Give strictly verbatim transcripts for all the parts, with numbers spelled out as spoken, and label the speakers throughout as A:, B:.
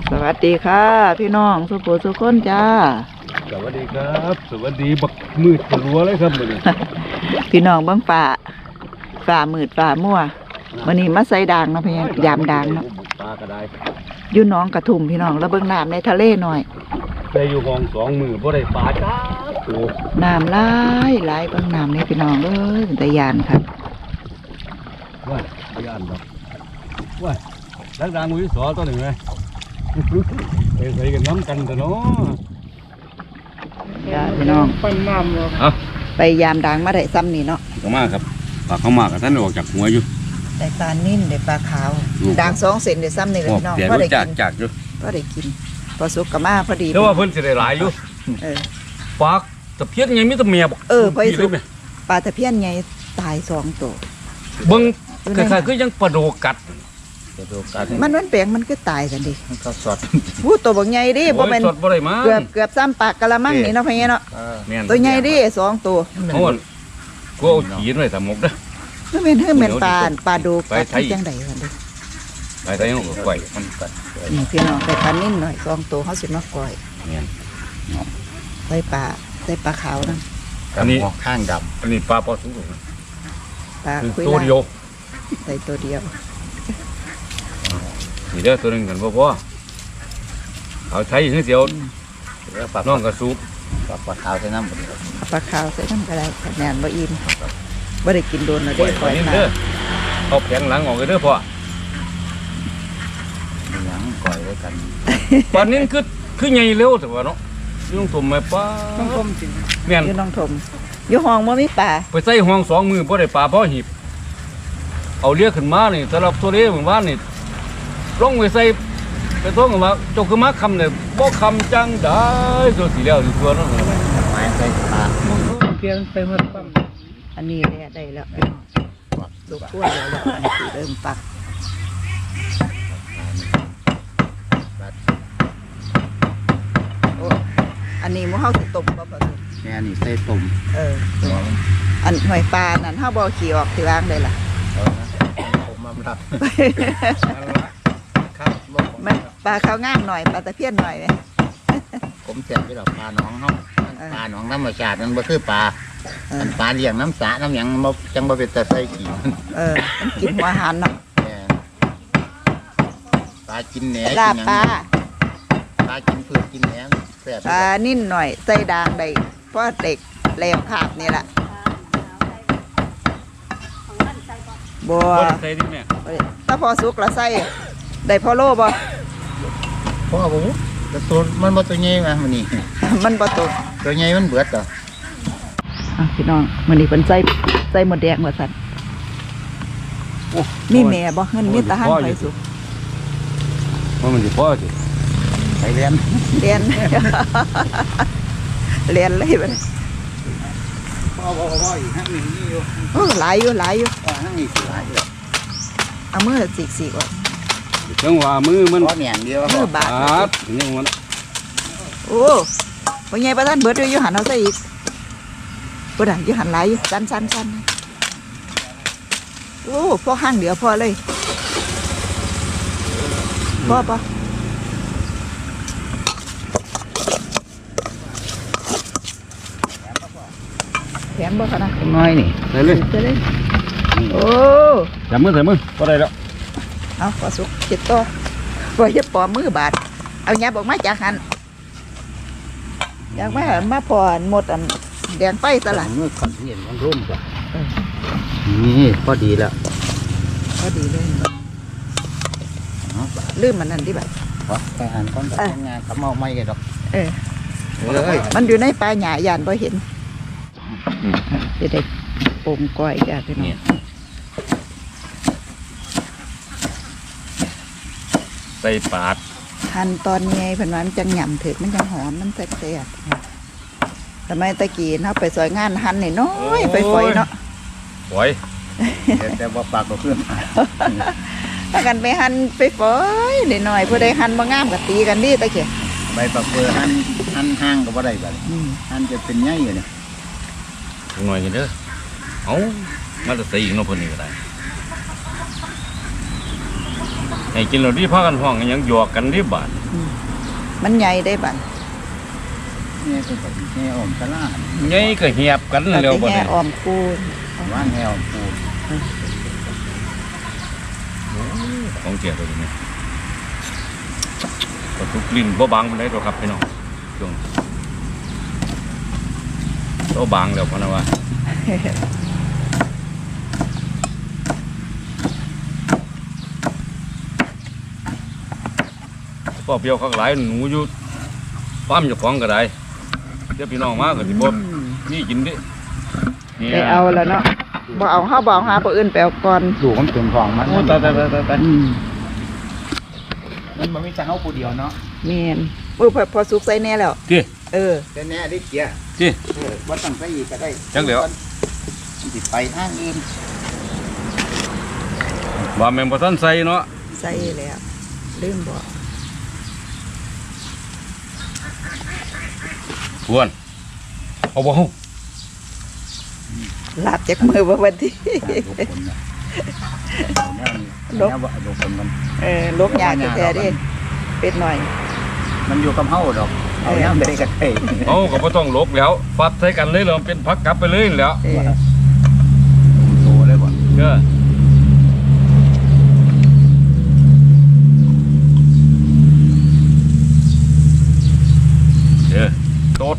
A: สวัสดีค่ะพี่น้องสุโขสุขคนจ้า
B: สวัสดีครับสวัสดีบักมืดรัวเลยครับมื้อนี้
A: พี่น้องเบิ่งฝ่าฝ่ามืดฝ่ามั่ววันนี้มาใส่ด่างเนาะพี่ยามด่างเนาะ
B: ปลาก็ได้
A: อยู่หน้องกระทุ่มพี่น้องแล้วเบิ่งน้ำในทะเลหน่อย
B: ได้อยู่ห้องสองมือบ่ได้ปลาจ้าโอ้
A: น้ำหลายหลายเบิ่งน้ำนี่พี่น้องเอ้ยเป็นตะยานครับ
B: ว่าย่านดอกว่าดักดังมือสอตัวหนึ่งเลยไปใส่กันน้ำกันแต่เนาะ
A: จ้าพี่น้อง
C: ปั้นน้ำเนาะ
B: เอา
A: ไปยามด่างมาได้ซ้ำนี่เนาะ
B: เข้ามาครับปลาเข้ามากับท่านออกจากหัวอยู่
A: ได้ปลานิ่นได้ปลาขาวด่างสองเซนได้ซ้ำนี่เลยพี่น้อง
B: เดี๋ยว
A: พอได้
B: จาก
A: กิน
B: จากอยู่
A: พอได้กินพอสุกกับมาพอดี
B: แต่ว่าเพิ่นสิได้หลายอยู่
A: เออ
B: ปลาตะเพียนยังมีแตะเมียบอก
A: เออพอสุ
B: สุ
A: กปลาตะเพียนไงตายสองตัว
B: เบิ่งคล้ายๆคือยังปลาโดกัด
C: จะดูกัน
A: มันมันแปลงมันก็ตายกันดิ
C: มันก็สด
A: พูดตัวบักใหญ่ดิบ่
B: โอ้ย
A: แม่น
B: สดบ่ได้มา
A: เกือบเกือบซ้ำปากกะละมังนี่เนาะพี่เนาะ
B: แม่น
A: ตัวใหญ่ดิสองตัว
B: โอ้ยกูเอาขีนไว้สามกเด้อ
A: มันเป็นเฮือแม่นปลาปลาดูกัด
B: ไปไทย
A: จังได๋กันดิ
B: ไปไทยเอาก็ไว้มันกัด
A: นี่พี่น้องไปปลานิ่นหน่อยสองตัวเฮาสิมาก่อย
B: แม่น
A: ใส่ปลาใส่ปลาขาวนั่น
B: อันนี้
C: ข้างด
B: อันนี้ปลาปอสูง
A: ปลา
B: คือ
A: คุย
B: ตัว
A: ลา
B: เดียว
A: ใส่ตัวเดียว
B: นี่เด้อตัวหนึงกันบ่พอเอาไทยอย่างเดียว
C: ำแล้วปลา
B: น้องกระสูบ
C: ปลาปลาขาวใส่น้ำหมดเลย
A: เอาปลาขาวใส่น้ำก็ได้คะแนนบ่อิ่มบ่ได้กินโดนแล้ว
B: ปล่
A: ได้
B: อย
A: ปล่อย
B: นี่
A: มา
B: เด้อเอาแผงหลังออกเลยเด้อพ่อ
C: มีหยังก่อยไว้กัน
B: ปลานี้คือคือใหญ่เร็วแต่ว่าเนาะยุ่งถมไหมป้า
C: ต้องต้มจริง
B: แม่น
A: อยู่น้องถมอยู่ห้องบ่มีปลา
B: ไปใส่ห้องสองมือบ่ได้ปลาพอหีบเอาเรียกขึ้นมานี่สำหรับตัวเลี้ยเหมือนว่านี่ลงไปใส่ไปท้องว่าเจกขึ้นมาคำเนี่ยบ่คำจังได้ตัวสีแล้วตัวนั้น
C: ไม้ใส่ปลา
D: เพียนไปหมดปั๊ม
A: อันนี้แหละได้แล้วสุกขั้วแล้วแล้วอันนี้สิเริ่มปักโอ้อันนี้หมูเฮาสิต้มบ่พอสุก
C: แม่นี่ใส่ตุ่ม
A: เอออันหอยปลานั่นเฮาบ่ขี่ออกที่ล้างได้ล่ะ
C: เอานะผมมารับครับ
A: มันปลาขาวงามหน่อยปลาตะเพียนหน่อยไหม
C: ผมแจกไปดอกปลาหนองเฮาปลาหนองธรรมชาติมันบ่คือปลา
A: เออ
C: มันปลาเลี้ยงน้ำสระน้ำหยังบ่จังบ่เป็นตาใส่กี่
A: เออมันกินหัวอาหารเนาะ
C: แม่ปลากินแหน
A: ลาบปลา
C: ปลากินพืชกินแหนแซ่บ
A: ปลานิ่นหน่อยใส่ด่างได้เพราะเด็กแหลมภาพนี่แหละบัว
B: บ่ได้ใส่ดิแม่
A: ถ้าพอสุกแล้วใส่ได้พอโลบ่
C: พ่อผมแต่ตัวมันบ่ตัวใหญ่มามันนี่
A: มันบ่ตก
C: ตัวใหญ่มันเบิดเหรอ
A: อ่ะพี่น้องมื้อนี้เพิ่นใส่ใส่หมดแดงว่าซั่น
B: โอ้
A: มีแม่บ่เงินมีแตาหันไปสุก
B: ว่ามันสิพอสิ
C: ไปเรียน
A: เรียน เรียนเลยบัดนี้
C: พ่อพ่อพ่ออีกห้างหนึ่งนี่อยู่
A: โอ้หลายอยู่หลายอยู่
C: พ่อห้างนี้สิหลายอยู่
A: เอามือสีกๆออก
B: จังว่ามือมัน
C: พ่อแหนมเดียว
A: มื
C: พ่อ
A: อบาด
B: ปาดยังมัน
A: โอ้บ่ใหญ่ปานนั้นเบิดอยู่อยู่หันเอาใส่อีกบ่ได้อยู่หันหลายอยู่สั้นๆๆโอ้พอห้างเดียวพอเลยพอปะแถมบ่คะนะ
C: น้อยนี่
B: ใส่เลย
A: เจอเลยโอ้
B: จับมือใส่มือก็ได้แล้ว
A: เอาพอสุกเจ็ดตัวพอจะปอมือบาดเอาหยับออกมาจากหันอยากมามาพอนหมดอันแดงไฟตลาด
C: เมื่อก่อนที่เห็นมันร่มจ้ะนี่พอดีแล้ว
A: ก็ดีเลย
C: เนาะ
A: ลืมมันนั่นดิบัด
C: พอไปหันก้อนกับงานกับเมาไม่กันดอก
A: เออ
C: เอ้ย
A: มันอยู่ในป่าหญ้าย่านบ่เห็นจะได้ปงก้อยจ้าพี่น้อง
B: ใส่ปาด
A: หั่นตอนไงเพิ่นว่ามันจังหย่ำถึกมันจังหอมมันแซ่บๆทำไมตะกี้เฮาไปซอยงานหั่นนี่น้อยไปฝอยเนาะ
B: ปล่อย
C: แต่ว่าปากก็เพื่อน
A: ถ้ากันไปหั่นไปฝอยนิดหน่อยผู้ใดหั่นบ่งามก็ตีกันดิตะกี้
C: ใบปากเปลือหันหันห้างก็บ่ได้บัด
A: อืม
C: หันจะเป็นใหญ่อยู่เนี่ย
B: หน่อยกันเด้อเอามาจะใส่อีกเนาะเพิ่นนี่ก็ได้ให้กินเราดีพากันห้องกันหยังหยอกกันดีบาด
A: มันใหญ่ได้บัด
C: เนี่ยเป็นแบบแง่อมสลาด
B: ใหญ่ก็เหียบกัน
A: เรา
B: แล้ว
A: ไป
B: บ่
A: แห่
B: ได้
A: ออมคูน
C: ว่างแง่อมปู
B: ของเจียตัวนี้ก็ทุกลิ้นบ่บางปานใดดอกครับพี่น้องช่วงโตบางแล้วพะนะว่าพ่อเปรียวคักหลายหนูอยู่ปั๊มเจ้าของก็ได้เดี๋ยวพี่น้องมาก็สิบ่มีกินดินี่
A: ไปเอาแล้วเนาะบ่เอาเฮาบ่เอาหาผู้อื่นไปเอาก่อน
C: ดูมันเป็นของมัน
B: โอ้ตายตายตายตายตาย
A: อืม
C: มันมันมีแต่เฮาผู้เดียวเนาะ
A: แม่นโอ้ยพอพอสุกใส่แน่แล้ว
B: ติ
A: เออ
C: แต่แน่ได้เกียร์
B: ติ
C: เออว่าตั้งใจอีกก็ได้
B: จักแล้ว
C: มันสิไปทางอื่น
B: ว่าแม่นบ่ทันใส่เนาะ
A: ใส่แล้วลืมบอก
B: พวนเอาบ่เฮา
A: ลาบจากมือบ่วันที่
C: ลบว่าลบคนมัน
A: เออลกยากแท้ๆเดิเป็ดหน่อย
C: มันอยู่กับเฮาดอกเอาย่างได้ก็ได้
B: เอาก็บ่ต้องลบแล้วฟัดใส่กันเลยแล้วมันเป็นพักกลับไปเลยนั่นแหล้ว
A: เออ
C: โตเลยบ่
B: เด้อเด้อโตด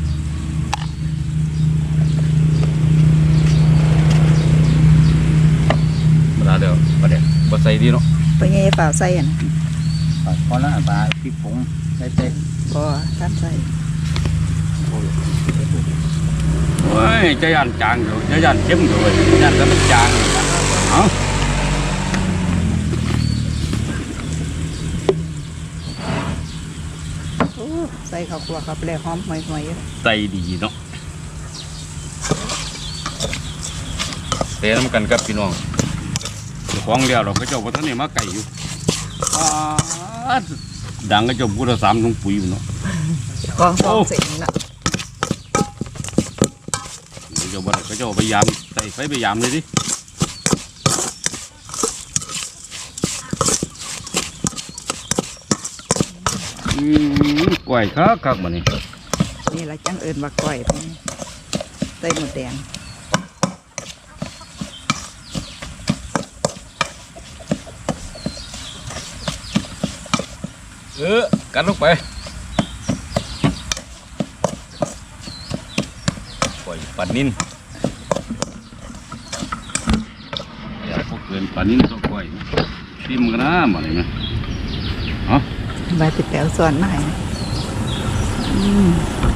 B: บ่ได้เด้อบ่ได้บ่ใส่ดีเนาะ
A: ไปไงเปล่าใส่อ่ะนะ
C: พอละปลาพริกผงใส่เต็ม
A: บ่ท่านใส่
B: โอ้ยจะย่านจางอยู่จะย่านเข้มอยู่เว้ยย่านแต่มันจางนี่ล่ะเอ้า
A: โอ้ใส่ข้าวคั่วเข้าไปแล้วหอมห่วยๆอยู่
B: ใส่ดีเนาะเตะน้ำกันกับพี่น้องเจ้าของเดียวเราก็เจ้าบ่ทันได้มาไก่อยู่ป๊าดดังก็เจ้าพุทธสามถุงปุ๋ยอยู่เนาะ
A: กองสองเสร็จน่ะ
B: เจ้าบ่ได้ก็เจ้าพยายามใส่ไฟพยายามเลยดิอืมกล้วยคักคักๆบ่นี่
A: นี่ล่ะจังเอิ้นว่าก้อยไปใส่หมดแดง
B: เออกัดลงไปกล้วยปลานิ่นอย่าพวกเกินปลานิ่นต้องกล้วยชิมกันนะบ่นี่แม่เอ้า
A: ใบติดแปวส่วนมาให้อืม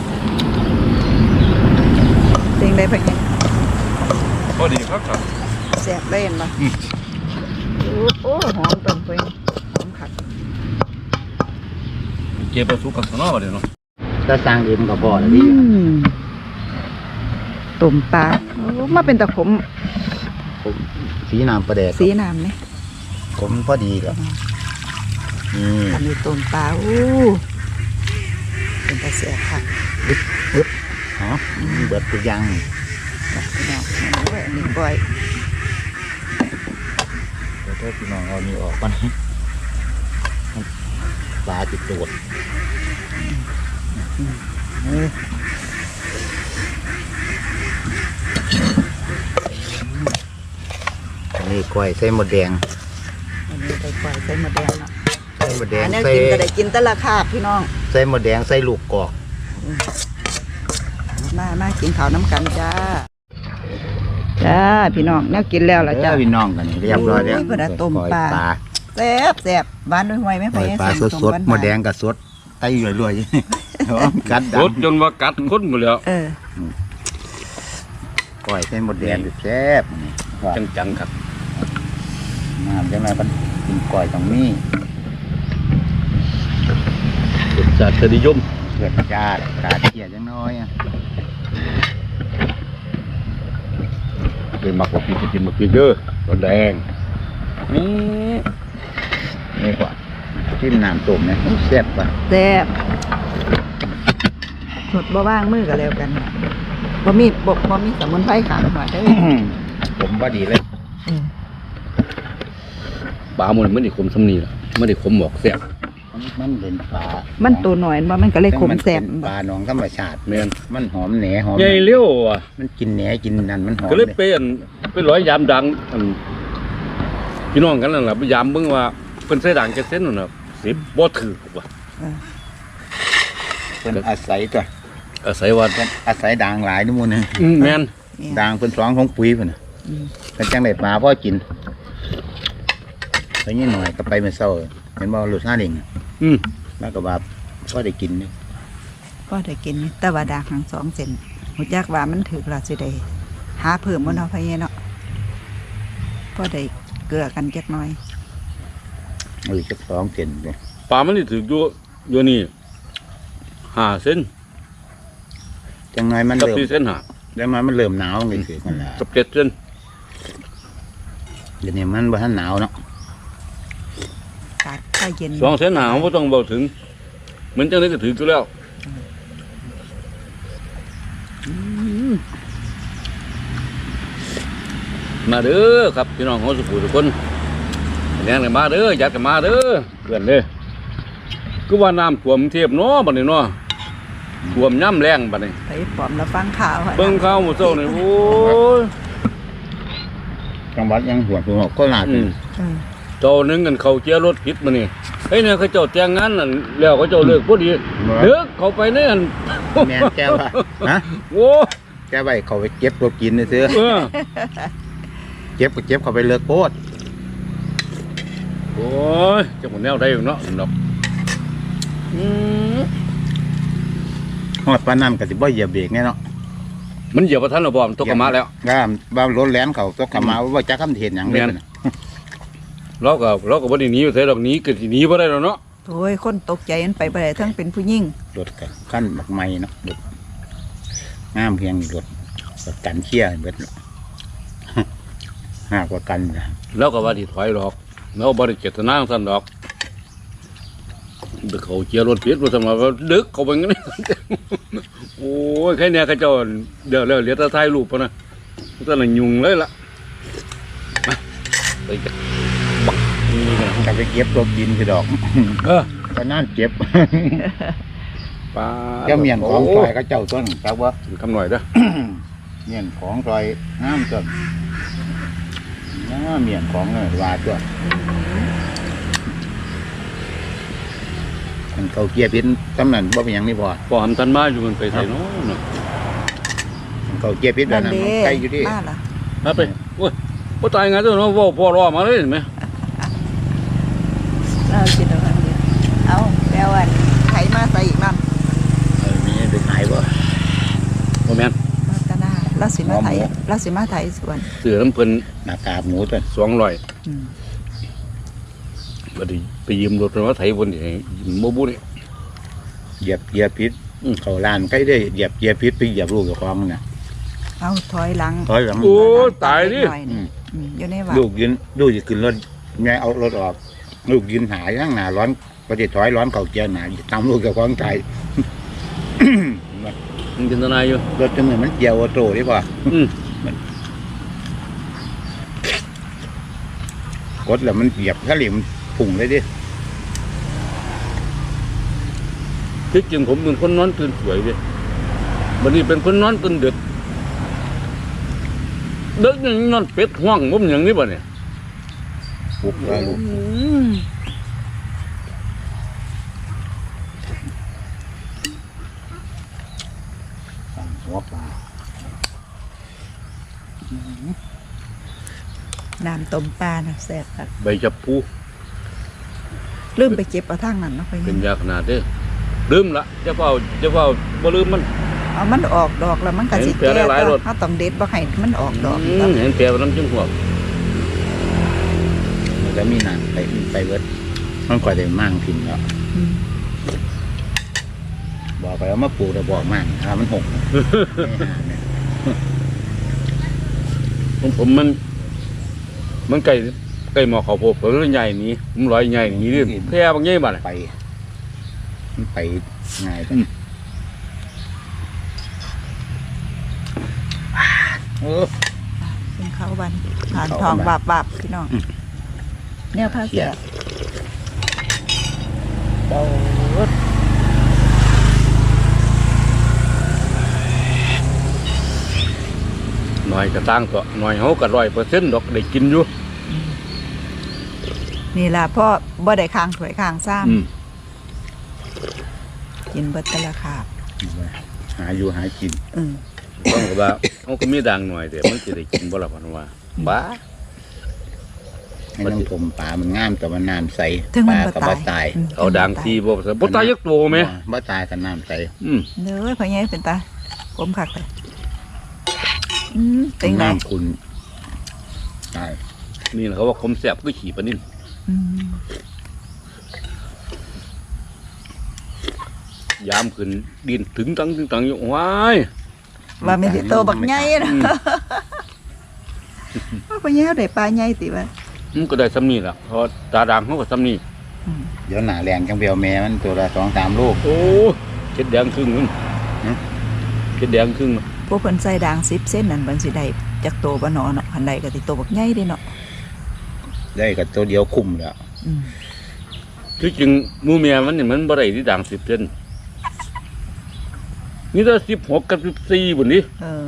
A: เพลงได้ไปยัง
B: พอดีครับครับ
A: แซ่บเล่นบ่
B: อืม
A: โอ้โอ้หอมต้นเพลงหอมคัก
B: เก็บไปสุกกับสนอบ่เดี๋ยวเนาะ
C: ถ้าสร้างเองก็พอแล้ว
A: อื
C: ดิ
A: มตุ่มปลาโอ้มาเป็นตะขม
C: ผมสีน้ำปลาแดก
A: สีน้ำเนี่ย
C: ผมพอดีครับนี่
A: อันนี้ตุ่มปลาโอ้เป็นตะเสียค่ะ
C: ฮะเบิดทุกอย่าง
A: พี่น้องโอ้ยอันนี้ก้อย
C: เดี๋ยวเธอพี่น้องเอานี่ออกก่อนปลาจิตโดดอันนี้กล้วยใส่หมดแดง
A: อันนี้ไปก้อยใส่หมดแดงเนาะ
C: ใส่หมดแดง
A: อันนี้
C: ใส่
A: กินก็ได้กินแต่ละคาบพี่น้อง
C: ใส่หมดแดงใส่ลูกกอก
A: มามากินข้าวน้ำกันจ้าจ้าพี่น้องแนวกินแล้วล่ะ
C: เจ้า
A: จ้า
C: พี่น้องกันนี่เรียบร้อยแล้ว
A: โอ้ยเพิ่นเอาต้มปลา
C: ปลา
A: แซ่บแซ่บหวานด้วยหวยไหม
C: ปล่อยปลาสดสดๆหมดแดงกับสดไตรวยๆเอากัด
B: ร
C: ดั
B: ถจนว่ากัดคนหมดแล้ว
A: เออ
C: ปล่อยใส่หมดแดงแซ่บนี่
B: จังๆครับ
C: น้ำจังไรมันกินกล้อยตรงนี้
B: รสชาติจะนิยม
C: เกิดจาดกาดเกียจังน้อยอ่ะ
B: เป็นมักกว่าพี่กินมักพี่เด้อรสแดงนี่
C: นี่กว่าจิ้มน้ำต้มเนี่ยแซ่บป่ะ
A: แซ่บสดบ่ว่างมือก็แล้วกันบ่มีบ่บ่มีสมุนไพรขางหน่อยเด้อ
C: ผมว่าดีเลย
A: เออ
B: ปลาหมดมันได้ขมสำนีล่ะมันได้ขมหมอกแซ่บ
C: มันมันเป็นปลา
A: มันตัวหน่อยบ่มันก็เลยขมแสบ
C: นเป็นปลาหนองธรรมชาติ
B: แม่น
C: มันหอมแหนหอม
B: ใหญ่เลี้ยวอ่ะ
C: มันกินแหนกินนั่นมันหอม
B: ก็เลยไปอันไปร้อยยามดังอันพี่น้องกันนั่นล่ะไปยามเบิ่งว่าเพิ่นใส่ด่างจักเส้นนั่นน่ะสิบ่ถือว่ะ
C: เป็นอาศัยตัว
B: อาศัยว่า
C: เป็นอาศัยด่างหลายนู่นนึง
B: อืมแม่น
C: ด่างเป็นสองของปุ๋ยเพิ่นน่ะ
A: อืม
C: เป็นจังได้ปลาพ่อกินไปนี่หน่อยก็ไปเมื่อเช้าเห็นบ่รสชาติเอง
B: อืม
C: แล้วก็ว่าพ่อได้กินนี่
A: ก็ได้กินแต่ว่าดาหางสองเซนหูจักว่ามันถึกแล้วสิได้หาเพิ่มบ่เนาะพ่อใหญ่เนาะก็ได้เกลือกันจักหน่อย
C: เออจักสองเซนเลย
B: ปลามันนี่ถืออยู่อยู่นี่ห้าเส้น
C: จังน้อยมัน
B: กับ
C: เริ่ม
B: สี่เส้นห้า
C: แล้วมันมันเริ่มหนาวเลยคือมันละ
B: กับเจ็ดเส้น
C: เดี๋ยวนี้มันบ่ทันหนาวเนาะ
A: อากาศถ้าเย็น
B: สองเส้นหาบ่ต้องเบาถึงเหมือนจังได๋ก็ถืออยู่แล้วมาเด้อครับพี่น้องของสุขุทุกคนแน่นกันมาเด้ออยากกันมาเด้อเพื่อนเด้อคือว่าน้ำท่วมเทียบเนาะบัดนี้เนาะท่วมย่ำแรงบัดนี้
A: ไปปลอมแล้วฟังข่าวอะ
B: เบิ่งข่าวหมู่เจ้านี่โอ้ย
C: จังหวัดยังหัวหัวก็หนา
B: อื
C: ถึง
B: ม
A: อืม
B: เจ้านึงกันเขาเจียรถผิดมานี่เฮ้ยเนี่ยเขาเจ้าแต่งงานนั่นแล้วเขาเจ้าเลิกพอดีเลิกเขาไปเนี่ยอัน
C: แม่นแก้วว่าฮะ
B: โอ้
C: แก้วไว้เขาไปเก็บตัวกินนี่ซื้อ
B: เออ
C: เก็บก็เก็บเขาไปเลิกโคตร
B: โอ้ยเจ้าหมดแนวได้อยู่เนาะดอกอืม
C: ฮอดปานนั้นก็สิบ่เหยียบเบรกแน่เนาะ
B: มันเหยียบประทันระบอมตกกระมาแล้ว
C: ก็บ่ารถแล่นเขาตกกลับมาว่าจักคำเทศหยังเลย
B: แม่น
C: น่ะ
B: เราก็เราก็บ่ได้หนีอยู่ไสดอกหนี้ก็สิหนีบ่ได้แล้วเนาะ
A: โอ้ยคนตกใจมันไปบ่ได้ทั้งเป็นผู้หญิง
C: รถก็ขั้นบักไม้เนาะรถงามเพียงรถประกันเชี่ยเบิดเนาะ หากว่ากันนะ
B: เราก็ว่าสิถอยดอกเราบ่ได้เจตนาของท่านดอกเด็กเขาเจียรถผิดว่าซั่นว่าดึกเขาไปงั้น โอ้ยแค่เนี้ยเขาเจ้าเดี๋ยวแล้วเหลือแต่ถ่ายรูปพอนะแต่ละยุ่งเลยล่ะมาไปกันบักนี่กัน
C: ก็ไปเก็บตัวกินคือดอก
B: เออ
C: ก็นั่นเก็บ
B: ปลา
C: เจ้าเมียนของซอยก็เจ้าต้นครับว่า
B: คำหน่อยเด้อ
C: เมียนของซอยน้ำต้นน้าเมียนของเลยว่าตัวมันเขาเกียร์พิษตำนั้นบ่เป็นหยังนี่พอ
B: พอหันทันมาอยู่มันไปใส่เนาะเนาะ
C: มันเขาเกียร์พิษแบบนั้นมันใกล้อยู่ดิ
A: มาล่ะ
B: มาไปโอ้ยบ่ตายไงตัวเนาะเว้าพ่อรอมาเลยเห็นไหม
A: เราคิดเอาอันเดียวเอาแล้วอันไถมาใส่อีกมั่ง
C: เออมีไปขายบ่
B: บ่แม่น
A: มาตะหน้าเราสิมาไถ
C: หมอหมู
A: เราสิมาไถสวน
B: เสือน้ำเพิ่น
C: หน้ากากหมูต้น
B: สองร้อย
A: อืม
B: บ่ได้ไปยืมรถเพิ่นมาไถบนนี่ให้ยืมบ่บุนี่
C: เหยียบเกียร์พิษ
B: อืม
C: เขาลานใกล้ได้เหยียบเกียร์พิษไปเหยียบลูกกับของน่ะ
A: เอาถอยหลัง
C: ถอยหลัง
B: โอ้ตายดิ
A: หน่อนี่อืมอยู่ในวัด
C: ลูกยืนลูกจะขึ้นรถแม่เอารถออก ลูกยืนหายทั้งหนาร้อนก็จะถอยร้อนเขาเกียร์หนาตามลูกกับของตาย
B: มันจินตนาอยู่
C: รถจังเลยมันเกียร์ออโต้ได้ป่ะ
B: อืม
C: กดแล้วมันเหยียบถ้าเหลี่ยมนพุ่งเลยดิ
B: ที่จริงผมเป็นคนนอนตื่นสวยเด้บัดนี้เป็นคนนอนตื่นดึกดึกนี่นอนเป็ดห้องผมอย่างนี้บ่เนี่ย
C: ปลุกแล้วลูก
B: อืม
C: สั่งหัวปลา
A: น้ำต้มปลาน่ะแซ่บครับ
B: ใบจับปู
A: ลืมไปเก็บเอาทางนั้นเนาะไป
B: เป็นยาขนาดเด้อลืมละจะเฝ้าจะเฝ้าบ่ลืมมัน
A: เอามันออกดอกแล้วมันก็สิ
B: เห็นเปลือก
A: แก่
B: หลายๆรส
A: เฮาต้องเด็ดบ่ให้มันออกดอก
B: อื
A: ครั
B: ม
A: บ
B: เห็นแปลว่าน้ำจิ้มหัว
C: มันจะมีหนังไปไปเวิร์ดมันก่อยได้มั่งพินแล้ว
A: อืม
C: บอกไปว่ามาปลูกแต่บอกมั่งถ้ามันหก
B: ผมผมมัน มันไก่ไก่หมอเขาโพดผมเลยใหญ่หนี้ผมลอยใหญ่หนี้ดิแพร่บางใหญ่บัดน่ะ
C: ไป มันไปง่ายไปเออ
A: เป็นข้าววันผ่าน
C: ข้าว
A: ทอง
C: วัน
A: บาบๆพี่น้องแนวผ้าแสบ
B: เบาหน่อยก็ตั้งตัวหน่อยเฮาก็ร้อยเปอร์เซ็นต์ดอกได้กินอยู่
A: นี่ล่ะพ่อบ่ได้ค้างถ้วยค้างซ้
B: อืม
A: ำกินเบิดแต่ละคาบ
C: หาอยู่หากิน
A: อืม
B: ต้องก็ว่าเขาก็มีดังหน่อยแต่มันจะได้กินบ่ล่ะพันว่าบ้า
C: ให้น้ำผมปลามันงามแต่ว่าน้ำใส
A: ถึง
C: ป
A: มัน
C: ลา
A: บ่
C: ก็
A: ตา
C: บ่
A: ย
C: ตาย
A: อืม
B: เอาดังทีบ่บ่ตายยักโตไหม
C: บ่ตายกับน้ำใส
B: อืม
A: เด้อพ่อใหญ่เป็นตาผมคักเลยอืมเป็นไง
C: น้ำคุณตาย
B: นี่เขาว่าคมแซ่บก็ขี่ปลานิ่น
A: อืม
B: ยามขึ้นดินถึงตังถึงตังอยู่ว้าย
A: ว่ามันสิโตบักใหญ่นะว่าพ่อใหญ่เอาได้ปลาใหญ่ติว่า
B: มันก็ได้ซ้ำนี่ล่ะเพราะตาดังเขาก็ซ้ำนี่
A: อืม
C: เดี๋ยวหนาแรงจังเปียวแม่มันตัวละสองสามลูก
B: โอ้เจ็ดแดงครึ่งนึง
C: ฮะ
B: เจ็ดแดงครึ่ง
A: พวกเพิ่นใส่ด่างสิบเส้นนั่นเพิ่นสิได้จักโตบ่หนอเนาะคันใดก็สิโตบักใหญ่เด้เนาะ
C: ได้กับตัวเดียวคุ้มแล้ว
A: อืม
B: ที่จริงหมูเมียมันนี่มันบ่ได้ที่ดังสิบเซนนี่ถ้าสิบหกกับสิบสี่บุญนี้
A: เออ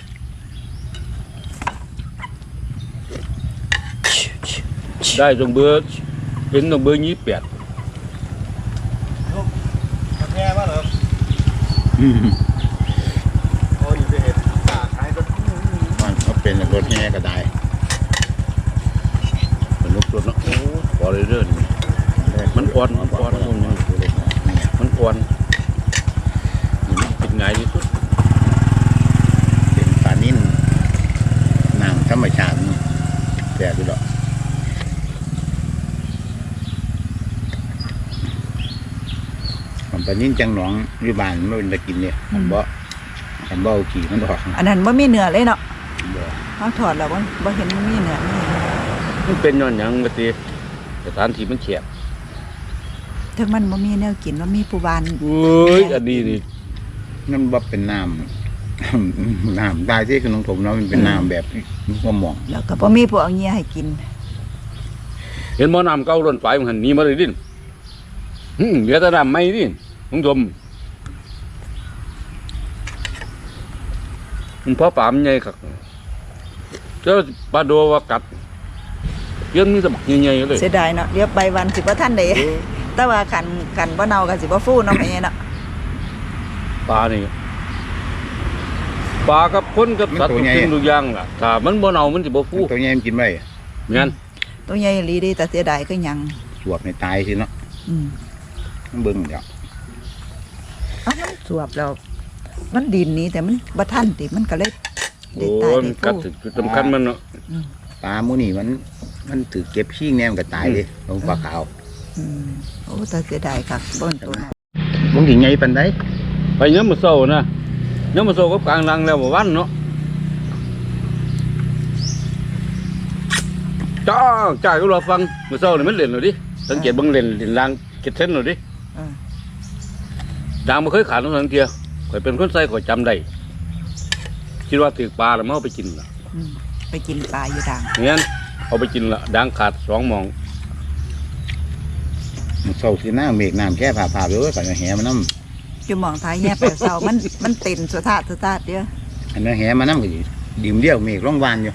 B: ได้ตรงเบอร์เป็นตรงเบอร์ยี่สิบแปด
E: แม่มาเหรอ
C: อืม
E: โอ้ยไปเห็นตาขายก็
C: มันก็เป็นรถแห่ก็ได้
B: มันลุกตัวเนาะโอ้พอเลยเด้อนี่มันอ่อนมันอ่อนมันมันอ่อนนี่มันเป็นไงที่สุด
C: เป็นปลานิ่นน้ำธรรมชาติแต่ดูดอกมันปลานิ่นจังหนองวิบานไม่เป็นตะกินเนี่ยมันบ่มันบ่เอาขี่มันออก
A: อันนั้นบ่มีเนื้อเลยเนาะ
C: บ่
A: เฮาถอดแล้วบ่บ่เห็นมันมีเนื้อมี
B: มันเป็นย้อนหยังกะติสถานที่มันแคบ
A: ถึงมันบ่มีแนวกินบ่มีผู้บ้าน
B: เอ้ยอันนี้นี่
C: นั่นบ่เป็นน้ำ น้ำตายที่ขนมถมเนาะมันเป็นน้ำแบบมะม่วง
A: แล้วก็บ่มีผู้เอาเงียให้กิน
B: เห็นบ่น้ำเก่าล้นไปมันหันหนี้มาเลยดิหึเหลือแต่น้ำใหม่ดิลุงชมมันพอปลามันใหญ่คักเจ้าปลาโดว่ากัดเลี้ยงมีแต่บักใหญ่ๆเลย
A: เสียดายเนาะเดี๋ยวไปวันสิบ่ทันได้ แต่ว่าคันคันบ่เน่าก็สิบ่ฟูเนาะแม่เนาะ
B: ปลานี่ปลากับคนกับสัตว์ทุกสิ่งทุกอย่างล่ะถ้ามันบ่เน่ามันสิบ่ฟู
C: ตัวใหญ่มันกินไม่
B: แม่น
A: ตัวใหญ่อีหลีเดีแต่เสียดายก็ยัง
C: สวบในตายสิเนาะ
A: อืม
C: มันเบิ่งเดี๋ยว
A: เอ้ามันสวบแล้วมันดินนี้แต่มันบ่ทันติมันก็เลย
B: โอ้
A: ได้ตาย
B: ยมั
A: ได้
B: นกัด
A: ฟู
B: ถึงจุดสำคัญมันเนาะ
C: ปลาหมูนี่มันมันถือเก็บขี้แนมก็ตายเลยลงปลาขาว
A: อืมโอ้แต่เสียดายค่ะบ่นตัวนั้น
C: มึงถึงไงปันได้
B: ไปยามมื้อเช้านะยามมื้อเช้ากับกลางลังแล้วบ่วันเนาะจ้าจ้าก็รอฟังมื้อเช้านี่มันเล่นแล้วดิสังเกตเบิ่งเล่นเล่นลางเก็ดเส้นแล้วดิ
A: เออ
B: ดังบ่เคยขาดทั้งทั้งเที่ยข่อยเป็นคนใส่ข่อยจำได้คิดว่าถือปลาแล้วมาเอาไปกินล่ะ
A: อืมไปกินปลาอยู่ด่าง
B: งั้นเอาไปกินละดังขาดสองหมอง
C: มันเศร้าสีหน้าเมฆน้ำแค่ผ่าผ่าไปเว้ยก่อนจะแหมันน้
A: อยู่หมองท้ายแย่ไปเศร้ามันมันเต็นสุดทาสุดทาเด้อ
C: ำอันนั้นแหมันน้ำก็อยู่ดิ่มเดียวเมฆร้องวานอยู่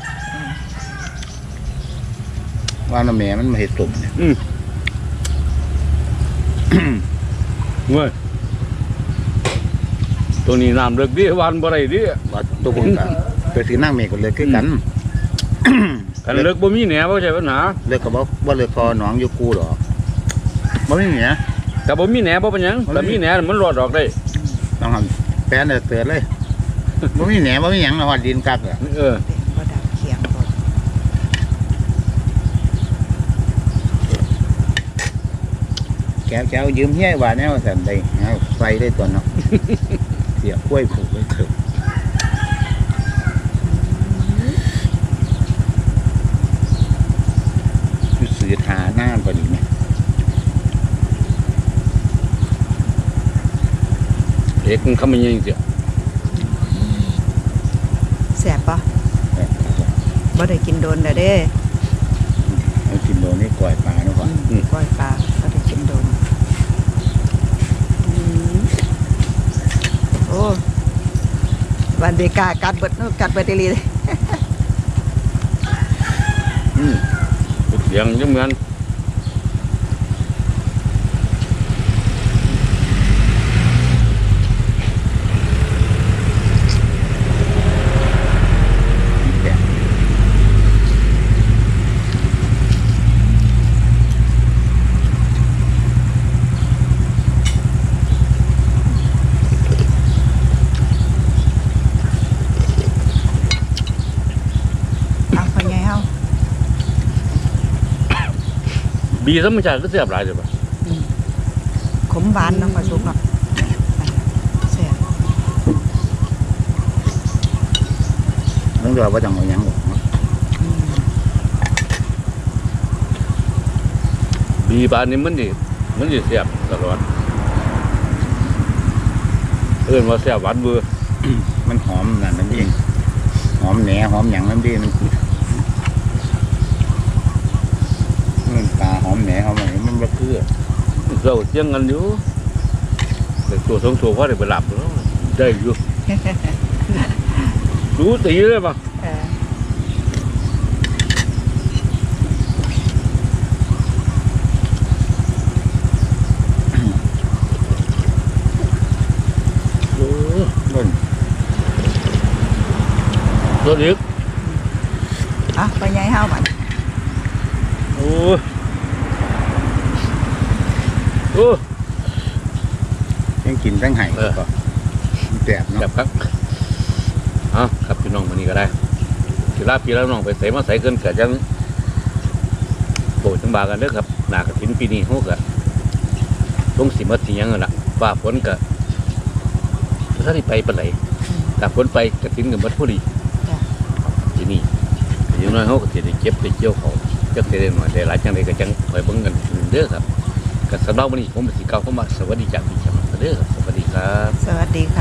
C: วานมาแม่มันมาเห็ดตุ่มเนี่ย
B: อืมเว้ยตัวนี้น้ำเลิกดิวันบ่ได้ดิ
C: ว่าตัวผมก็ตัวสีหน้าเมฆก็เลยคือกัน
B: กันเลิกบ่มีแหน่บ่ใช่ปัญหา
C: เลิกก็บอกว่าเลิกพอหนองอยู่กูหรอกบ่มีเหนีย
B: แต่บ่มีแหน่บ่เป็นหยังแต่มีแหน่มันรอดออกได้
C: ต้องทำแป้นเตือนเลยบ่มีเหนียบ่มีหยังนะว่าดินกักอะ
B: เออ
A: เต็นบ่ดังเคียงบ่
C: แก้วแก้วยืมเฮี้ยว่าแนวสันได้เอาใส่ได้ตัวเนาะ เสียกล้วยผูกไว้เถอะอยู่สื่อทาหน้าพอดีไหม
B: เอกมันคำมันยังเสีย
A: แซ่บปะบ่ได้กินโดนแล้วเด้
C: เอากินโดนนี่กล่อยปลาเนาะพ่อ
A: อืมปล่อยปลาก็ได้กินโดนอืมโอ้วันเดกากัดเบิดเนอะกัดเบิดอีหลีเลย
B: อืมเสียงยังเหมือน
C: แกะ
A: เอาไปไงเฮา
B: บีธรรมชาติก็เสียบหลายเลยป่ะ
A: ขมหวานเนาะปลาสุกเนาะแซ่บ
C: ต้องรอว่าจังเอาหยังหรอกเนาะ
A: อืม
B: บีปลานี่มันดิมันดิเสียบตลอดเอิ้นว่าเสียบหวานเบื่อ
C: มันหอมนั่นมันดีหอมแหนหอมหยังมันดีมันมันปลาหอมแหนหอมอะไรมันบ่คือ
B: เราเจียงกันอยู่แต่ตัวสองตัวพอได้ไปหลับแล้วได้อยู่ รู้ตีเลยป่ะ
A: เออ
B: โอ้
C: ต้น
B: ตัวเล็ก
A: เอาไปไงเฮาบัด
B: โอ้โอ้
C: ยังกินทั้งไห่
B: เออ
C: ก็มันแสบ
B: แบ
C: เนาะ
B: บครับเอาครับพี่น้องวันนี้ก็ได้สิลาพี่แล้วน้องไปใส่มาใส่เกินกะจังโปรดจังบากันเด้อครับหนากระถินปีนี้ฮกอะลงสิมาสิหยังนั่นล่ะฟ้าฝนกะถ้าได้ไปปานไหนถ้าฝนไปกระถินกับมัดพอดีทีนี้อย่างน้อยเขาก็สิได้เก็บได้เกี่ยวเขาจักสิได้หน่อยได้หลายจังไดก็จังคอยเบิ่งกันเด้อครับก็สำหรับวันนี้ผมสิกล่าวคำว่าสวัสดีจากพี่ชมเด้อครับสวัสดีครับ
A: สวัสดี